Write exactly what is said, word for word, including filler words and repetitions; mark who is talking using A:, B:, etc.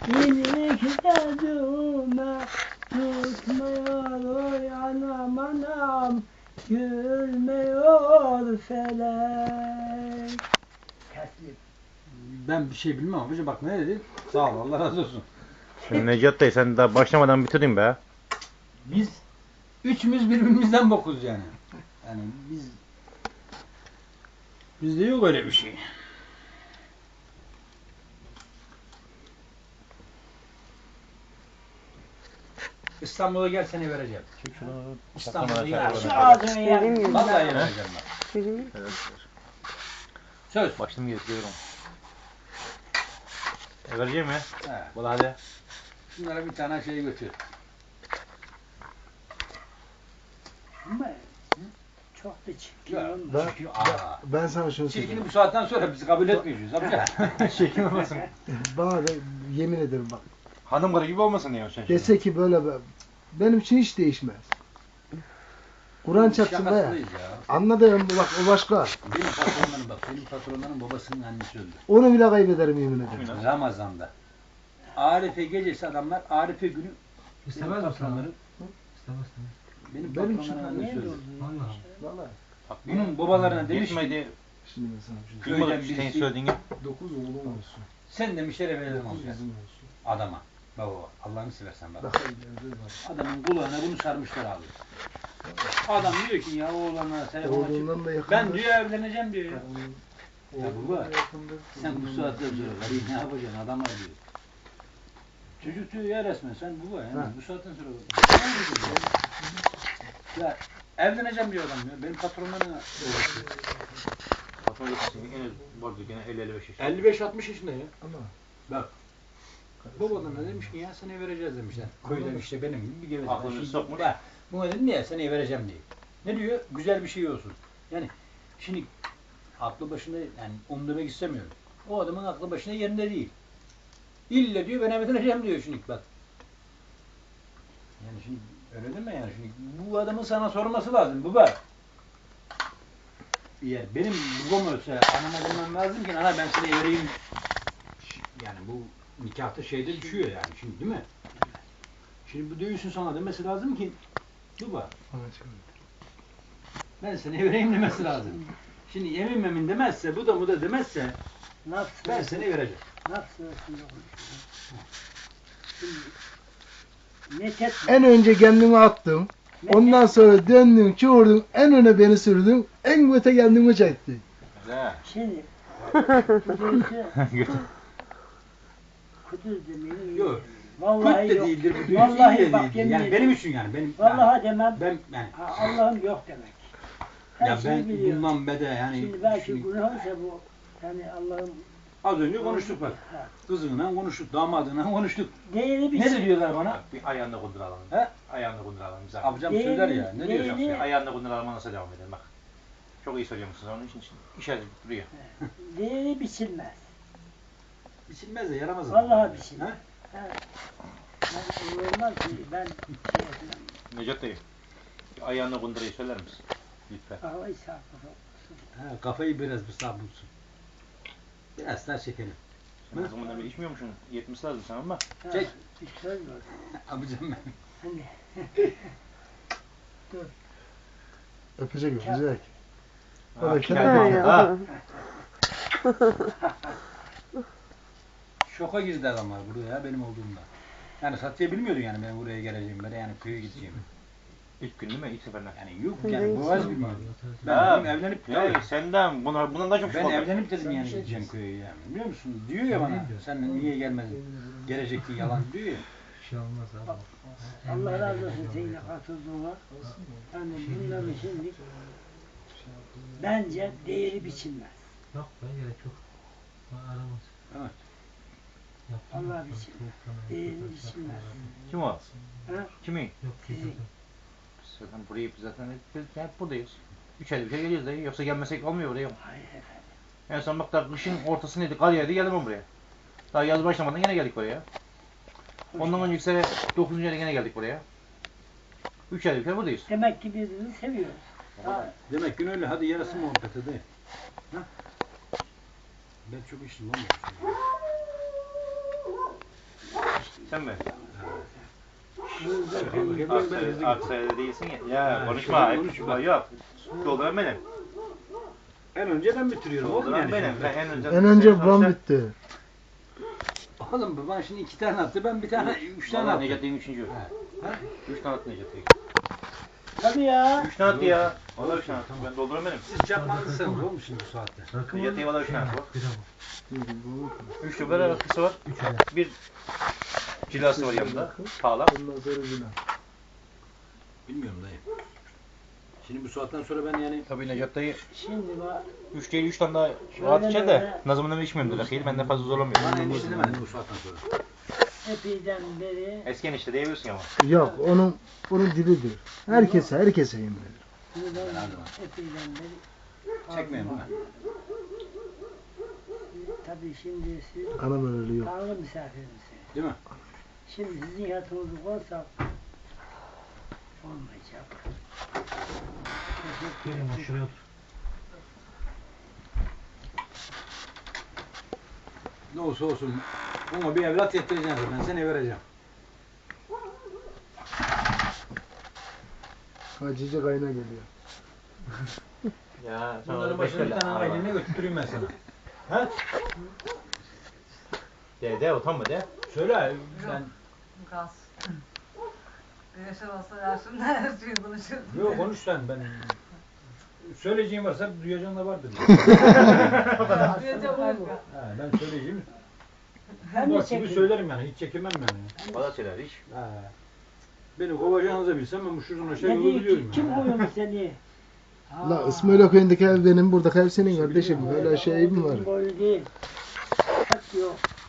A: İyilik dediğime tutmuyor oy anam anam, gülmüyor felek. Teslim.
B: Ben bir şey bilmem abicim, bak ne dedi? Sağ ol, Allah razı olsun.
C: Şimdi Necat dayı sen daha başlamadan bitirdin be.
B: Biz üçümüz birbirimizden bokuz yani. Yani biz bizde yok öyle bir şey. İstanbul'a gel, seni vereceğim. İstanbul'a gel.
A: Şu ağzını yer.
B: Vallahi vereceğim bak.
C: Evet.
B: Söz.
C: Başladım getiriyorum. E vereceğim ya.
B: He.
C: Bana hadi.
B: Şunlara bir tane şey götür.
A: Ama çok da çirkin
B: Ya,
A: olmuş.
D: Ben,
B: Çirkin, aa.
D: ben sana şunu
B: Çirkini
D: söyleyeyim.
B: bu saatten sonra bizi kabul etmiyoruz amca.
C: Şekil olmasın.
D: Bana da yemin ederim bak.
C: Hanım karı gibi olmasın diyor sen.
D: Dese ki böyle be- benim için hiç değişmez. Kur'an çarpsın be ya.
B: Şakasındayız ya.
D: Anladın mı? Bak o başka.
B: Benim patronlarım bak, benim patronlarım babasının annesi öldü.
D: Onu bile kaybederim yemin ederim.
B: Ramazan'da. Arife gecesi adamlar, Arife günü
E: İstemez
B: benim
E: misin abi?
B: patronlarım,
E: İstemez mi?
B: benim
D: Benim
B: patronlarım
D: için
B: annesi öldü.
E: Vallahi.
D: Vallahi.
B: Bunun babalarına demiş ki,
C: Yetmedi.
D: Şimdi ben sana bir şey
B: köyden
C: Köyden senin
B: birisi,
D: söyleyeyim.
C: söylediğin gibi.
D: Dokuz oğlum olsun.
B: sen demişlere verelim
D: Dokuz
B: amca.
D: kızım olsun.
B: Adama. Baba, Allah'ını seversen bak.
D: Bak ileride var.
B: Adamın kulağına bunu sarmışlar abi. Adam diyor ki ya oğlana telefon açıp,
D: Oğlundan da yakındır.
B: ben diyor evleneceğim diyor ya.
D: Oğlum-
B: Ya baba,
D: oğlundan da yakındır.
B: Sen bu saatte sonra karıyı ne yapacaksın adama diyor. Çocuk diyor ya resmen sen baba yani
D: Ha.
B: bu saatten sonra ne yapacaksın ya? Ya evleneceğim diyor adam ya. Benim patronlarına
C: Patron senin en az vardı gene elli elli beş yaş.
B: elli beş altmış yaşında ya.
D: Ama
B: Bak. Babalarına demiş ki ya seni vereceğiz demişler. Köyden işte benim gibi bir geveze.
C: Aklını
B: Şimdi
C: sokmuş.
B: bak, buna dedim ya seni vereceğim diye. Ne diyor? Güzel bir şey olsun. Yani şimdi aklı başında yani onu demek istemiyorum. O adamın aklı başında yerinde değil. İlle diyor ben evleneceğim diyor şimdi bak. Yani şimdi öyle deme yani şimdi bu adamın sana sorması lazım baba. Ya benim babam ölse anama demem lazım ki ana ben seni vereyim. Yani bu nikahta şeyde düşüyor yani şimdi değil mi? Şimdi bu dövüşün sana demesi lazım ki baba ben seni vereyim demesi lazım. Şimdi yemin memin demezse bu da bu da demezse
A: Laf
B: ben
A: sırasında-
B: seni vereceğim.
A: Laf sırasında konuşuyor. Şimdi ne tek
D: en önce kendimi attım. Ondan sonra döndün, çığırdın, en öne beni sürdün, en göte kendimi çektin.
C: Güzel.
A: Şimdi Kudüs'ü Kudüs demeyi
B: Yok.
A: vallahi
B: Kut da
A: yok.
B: değildir bu dövüş
A: Vallahi
B: iyi de
A: bak
B: değildir.
A: yemin
B: Yani
A: ederim.
B: benim için yani benim
A: Vallahi demem.
B: ben yani
A: Ha, Allah'ım yok demek. Her
B: ya
A: şeyi
B: ben
A: biliyor.
B: bundan bede yani
A: Şimdi belki
B: şimdi
A: günahsa bu yani Allah'ım
B: az önce konuştuk bak.
A: ha,
B: Kızınla konuştuk, damadına konuştuk.
A: değeri bir
B: Ne
A: şey.
B: diyorlar bana?
C: Bak bir ayağında kunduralım.
B: He?
C: Ayağında kunduralım güzel.
B: Abicam
A: Değeri-
B: söyler ya. Ne diyor
A: değeri-
B: şahsı?
C: Ayağında kunduralım nasıl devam edelim bak. Çok iyi söylüyormuşsunuz onun için işaret duruyor.
A: Değeri biçilmez.
B: Biçilmez de yaramaz.
A: Vallahi biçilmez.
B: Ha?
A: Ha. Ben olmaz ki ben şey yapmam.
C: Necat dayı. Bir ayağında kundurayı söyler misin? Lütfen.
A: Havayı sarkıp
B: Ha, kafayı biraz bir sağ bulsun. Biraz daha çekelim.
C: Sen o zamandan beri içmiyormuşsun. Yetmesi lazım sana ama.
B: Çek.
A: Bir söz var.
B: Abicam ben.
A: Hani
D: Öpecek, öpecek.
C: Ha,
D: Öyle
C: geldi
D: kendi-
C: ha.
B: Şoka girdi adamlar buraya benim olduğumda. Yani Satıya bilmiyordu yani ben buraya geleceğimi, ben yani köye gideceğimi.
C: İlk gün değil mi? İlk seferden.
B: Yani yok yani boğaz bilmiyordu. Ben
C: Ha,
B: dedim evlenip
C: Ya senden buna bundan daha çok
B: ben
C: şok oldum.
B: evlenip dedim yani gideceğim köye yani. Biliyor musun? Diyor ya bana. Sen niye gelmedin? Gelecektin yalan diyor ya.
E: Bir şey olmaz abi.
A: Allah razı olsun seninle katıldığına. Yani bunların şimdi bence değeri biçilmez.
E: Yok be gerek yok. Bana aramaz.
B: Evet.
E: Yaptım.
A: Allah biçim. Değeri biçilmez.
C: Kim o?
A: Ha?
C: Kimi?
E: Yok
A: Sizin.
C: Zaten burayı biz zaten hep, hep buradayız. Üç ayda bir kere geliyoruz dayı. Yoksa gelmesek olmuyor buraya.
A: Hayır efendim.
C: En son bak da kışın ortasındaydı. Kar yağdı geldim ben buraya. Daha yaz başlamadan yine geldik buraya. Ondan önceki sene dokuzuncu ayda yine geldik buraya. Üç ayda bir kere buradayız.
A: Demek ki birbirini seviyoruz. Ha,
B: Demek ki öyle. Hadi yarası muhabbeti de. Ha? Ben çok içtim oğlum.
C: Sen mi?
B: Bakayım,
C: Aksa,
B: ben hızlı
C: Aksa'da değilsin ya. Ya
B: Ha,
C: konuşma.
B: işte
C: Hep
B: konuşma.
C: yok. Dolduran benim.
B: En önce ben bitiriyorum. Oğlum
C: Dolduran
B: yani.
C: benim.
B: şimdi.
C: Ben en önce.
D: En önce
C: Sonuçta-
D: babam bitti.
B: Oğlum baban şimdi iki tane attı. Ben bir tane, üç tane
C: Vallahi
B: attım.
C: Necati'nin üçüncü.
B: Ha. Ha?
C: Üç tane attı Necati'ye.
A: Hadi ya.
C: Üç tane attı ya. Valla üç tane attı. Ben dolduran benim.
B: Siz çakmalısınız oğlum şimdi bu saatte.
E: Rakı mı?
C: Necati'ye valla üç tane attı. bak.
E: Bira mı?
C: Üç lira rakısı var.
E: Üç lira.
C: Bir cilası var yanında. Sağlam.
D: Ondan sonra günah.
B: Bilmiyorum dayı. Şimdi bu saatten sonra ben yani
C: Tabii Necat dayı
A: Şimdi bak.
C: üç değil üç tane daha rahat içer de
A: böyle.
C: Nazım'ın da içmiyorum dedi. Rakıyı benden fazla zorlamıyor.
B: bana endişe demedim bu saatten sonra.
A: Epeyden beri.
C: Eski enişte diyebiliyorsun ama.
D: Yok onun onun dilidir. Herkese herkese yemin ederim.
A: Bunu ben
B: Herhalde.
A: epeyden beri.
B: Çekmeyin değil mi?
A: Tabii şimdi siz
D: Anam öyle yok.
A: Tanrı misafirimsiniz.
B: Değil mi?
A: Şimdi sizin yatınızı koysak olmayacak. Teşekkür
E: Gelin bak
A: ederim.
E: şuraya otur.
B: Ne olsa olsun. Ama bir evlat yettireceğim ben seni vereceğim.
D: Hacıcı kayna geliyor.
C: Ya
B: Bunların başına bir tane ailene götüreyim ben sana. Ha?
C: De de utanma de.
B: Söyle ben.
F: Gaz. Yaşar olsa yaşımda her şeyi konuşurum.
B: Yok konuş sen ben. Söyleyeceğim varsa duyacağın da vardır.
F: Duyacağım kanka.
B: Ha, ben söyleyeceğim.
A: Hem de
B: Bak gibi
A: çekin.
B: söylerim yani hiç çekinmem yani.
C: Valla söyler hiç.
B: Ha. Beni kovacağınızı bilsem ben bu şuradan aşağı
A: Ne
B: yolu
A: diyor ki?
B: biliyorum.
A: Kim
B: yani.
A: koyuyor seni?
D: La İsmail köyündeki ev benim, buradaki ev senin kardeşim. Öyle şey mi var?
A: Boyu değil. Bak yok.